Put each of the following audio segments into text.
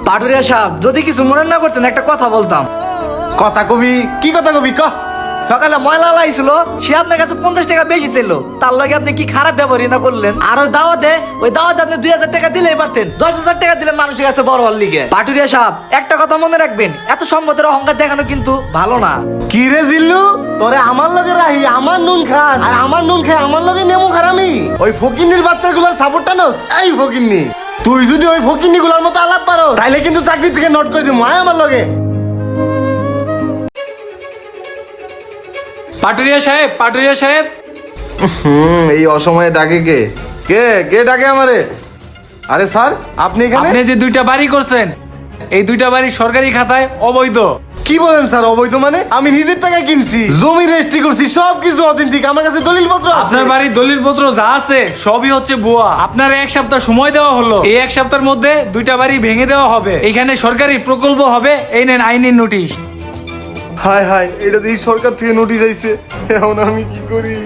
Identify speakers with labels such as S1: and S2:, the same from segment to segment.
S1: পাটুরিয়া সাহেব, যদি কিছু মনে না করতেন একটা কথা বলতাম।
S2: কথা কবি, কি কথা কবি ক।
S1: সকালে ময়লা লাইছিল, সে আপনার কাছে 50 টাকা বেশি ছিল, তার লগে আপনি কি খারাপ ব্যবহারই না করলেন? আর ওই দাওয়াতে আপনি 2000 টাকা দিলেই পারতেন, 10,000 টাকা দিলেন মানুষের কাছে বড় হওয়ার লিগে। পাটুরিয়া সাহেব, একটা কথা মনে রাখবেন, এত সম্পদের অহংকার দেখানো কিন্তু ভালো না।
S2: কি রে জিল্লু, তোরে আমার লগে রাহি আমার নুন খাস, আর আমার নুন খাই আমার লগে নেমু খারামি। ওই ফকিন্নির বাচ্চাগুলোর সাপোর্টটা নস। এই ফকিন্নি, তুই যদি ওই ফকিন্নি গুলার মতো আলাপ পারো তাইলে কিন্তু চাকরি থেকে নোট করে দিবো। আয় আমার লগে।
S3: পাটুরিয়া সাহেব, পাটুরিয়া সাহেব।
S2: এই অসময়ে ডাকে কে? কে কে ডাকে আমারে? আরে স্যার, আপনি এখানে?
S3: আপনি যে দুইটা বাড়ি করছেন, এই দুইটা বাড়ি সরকারি খাতায় অবৈধ।
S2: কি বলেন স্যার অবৈধ মানে? আমি নিজের টাকায় কিনছি, জমি রেজিস্ট্রি করছি, সবকিছু অথেন্টিক, আমার কাছে দলিলপত্র আছে।
S3: আপনার বাড়ির দলিলপত্র যা আছে সবই হচ্ছে ভুয়া। আপনার 1 সপ্তাহ সময় দেওয়া হলো, এই 1 সপ্তাহের মধ্যে দুইটা বাড়ি ভেঙে দেওয়া হবে, এখানে সরকারি প্রকল্প হবে, এই নেন আইনি নোটিশ।
S2: হায় হায়, এটা তো এই সরকার থেকে নোটিশ আইছে, এখন আমি কি করি?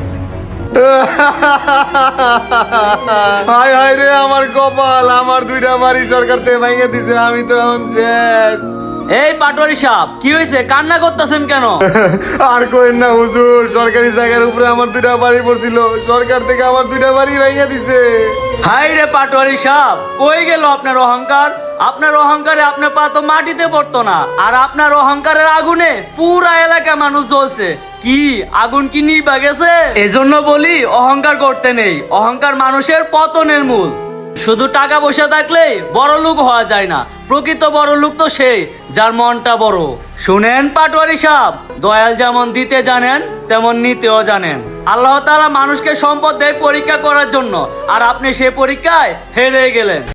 S2: হায় হায় রে আমার কপাল, আমার দুইটা বাড়ি সরকার থেকে ভেঙে দিছে, আমি তো এখন শেষ।
S4: এই পাটোয়ারি সাহেব, কি হয়েছে? কান্না করতেছেন কেন?
S2: আর কইেন না হুজুর, সরকারি জায়গার উপরে আমার দুইটা বাড়ি পড়ছিল, সরকার থেকে আমার দুইটা বাড়ি ভেঙে দিছে।
S4: হাই রে পাটোয়ারি সাহেব, কই গেল আপনার অহংকার? আপনার অহংকারে আপনার পা তো মাটিতে পড়তো না, আর আপনার অহংকারের আগুনে পুরা এলাকা মানুষ জ্বলছে। কি আগুন কি নিভা গেছে? এজন্য বলি অহংকার করতে নেই, অহংকার মানুষের পতনের মূল। শুধু টাকা পয়সা থাকলে বড় লোক হওয়া যায় না, প্রকৃত বড় লোক তো সেই যার মনটা বড়। শুনেন পাটোয়ারি সাহেব, দয়াল যেমন দিতে জানেন তেমন নিতেও জানেন। আল্লাহ তাআলা মানুষকে সম্পদ দেয় পরীক্ষা করার জন্য, আর আপনি সেই পরীক্ষায় হেরে গেলেন।